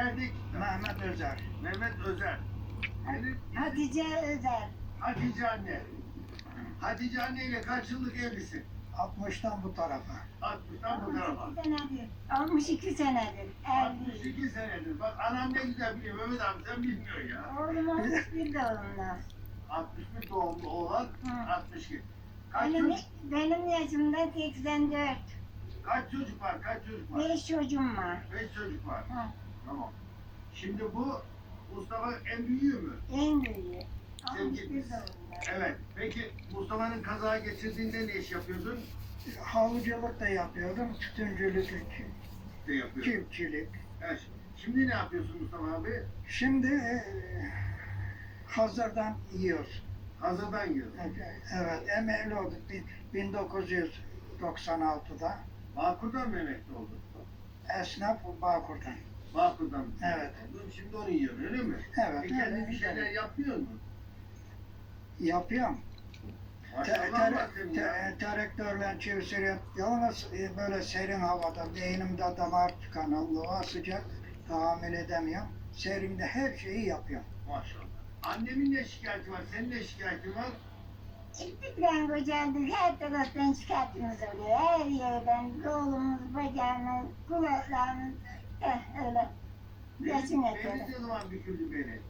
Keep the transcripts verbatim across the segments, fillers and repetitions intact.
geldik. Mehmet Özer. Mehmet Özer. Benim Hatice Özer. Hatice anne. Hatice anne ile kaç yıllık evlisin? altmıştan bu tarafa. altmıştan bu tarafa. altmış iki senedir. altmış iki senedir. altmış Evli. iki senedir. Bak anam ne güzel biliyor. Mehmet abi sen bilmiyorsun ya. Oğlum altmış bir doğumlu. altmış bir doğumlu oğlan, Hı. altmış iki. Kaç Benim, çocuk, benim yaşımda seksen dört. kaç çocuk var? Kaç çocuk var? Beş çocuğum var. Beş çocuk var. Hı. Tamam. Şimdi bu Mustafa en büyüğü mü? En büyüğü. altmış bir Sevgiliniz. doğumlu. Evet. Peki Mustafa'nın kaza geçirdiğinde ne iş yapıyordun? Halıcılık da yapıyordum. Tütüncülük, Ne yapıyordun? çiftçilik. Evet. Şimdi ne yapıyorsun Mustafa abi? Şimdi e, hazırdan yiyoruz. Hazırdan yiyorsun. Evet, emekli olduk bin- bin dokuz yüz doksan altıda. Bağkur'dan mı emekli oldun? Esnaf Bağkur'dan. Bağkur'dan mı? Evet. Oldun, şimdi onu yiyorsun öyle mi? Evet, E kendin evet, bir şeyler evet. yapıyor musun? Yapıyorum. Te, Maşallah te, bak senin ya. te, traktörle çeviriyorum. Yalnız e, böyle serin havada beynimde damar tıkanıklığı sıcak tahammül edemiyorum. Serinde her şeyi yapıyorum. Maşallah. Annemin ne şikayeti var? Senin ne şikayetin var? İlkten kocandık, her taraftan şikayetimiz oluyor. Her yerden kolumuz, bacağımız, kulaklarımız, eh öyle. Geçin Benim edelim. ne zaman büküldü beni?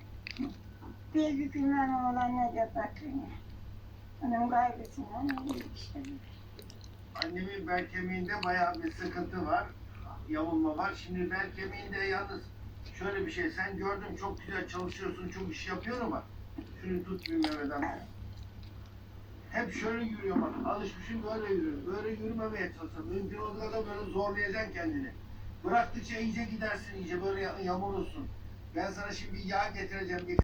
Bir bükülmem oğlan ne de bakın. Onun kaygısından ölüyor işte. Annemin bel kemiğinde bayağı bir sıkıntı var. Yamulma var. Şimdi bel kemiğinde yalnız şöyle bir şey. Sen gördüm çok güzel çalışıyorsun, çok iş yapıyorsun ama şunu tut bir Mehmet abi. Hep şöyle yürüyor bak. Alışmışım böyle yürüyorum. Böyle yürümemeye çalışıyorum. Mümkün olduğu kadar böyle zorlayacaksın kendini. Bıraktıkça iyice gidersin, iyice böyle yamulursun. Ben sana şimdi yağ getireceğim.